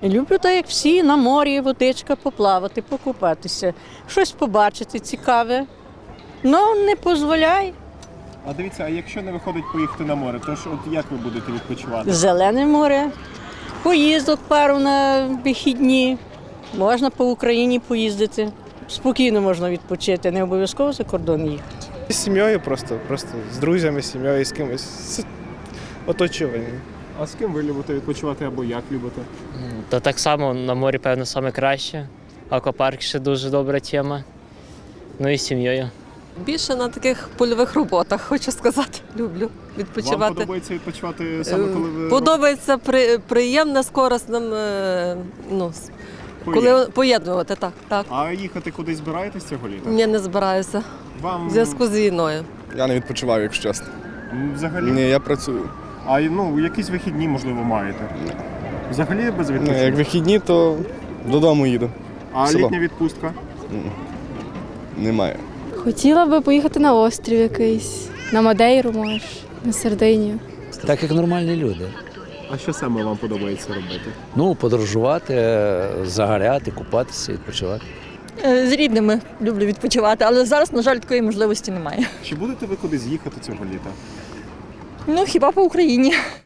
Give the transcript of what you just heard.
Люблю так, як всі, на морі, водичка, поплавати, покупатися, щось побачити цікаве. Ну, не дозволяй. А дивіться, а якщо не виходить поїхати на море, то ж от як ви будете відпочивати? Зелене море, поїздок пару на вихідні, можна по Україні поїздити. Спокійно можна відпочити, не обов'язково за кордон їхати. З сім'єю просто з друзями, з сім'єю, з кимось, з оточуванням. А з ким ви любите відпочивати або як любите? Та так само на морі, певно, саме краще. Аквапарк ще дуже добра тема. Ну і з сім'єю. Більше на таких польових роботах, хочу сказати. Люблю відпочивати. Вам подобається відпочивати саме коли ви Подобається приємне з корисним, коли поєднувати, так. А їхати кудись збираєтесь цього літа? Ні, не збираюся Вам в зв'язку з війною. Я не відпочиваю, якщо чесно. взагалі? Ні, я працюю. А якісь вихідні, можливо, маєте? Взагалі без Ні, відпочинку? як вихідні, то додому їду. А село. літня відпустка? Немає. Хотіла би поїхати на острів якийсь, на Мадейру, може, на Сардинію. Так як нормальні люди. А що саме вам подобається робити? Ну, подорожувати, загоряти, купатися, відпочивати. З рідними люблю відпочивати, але зараз, на жаль, такої можливості немає. Чи будете ви кудись їхати цього літа? Ну, хіба по Україні.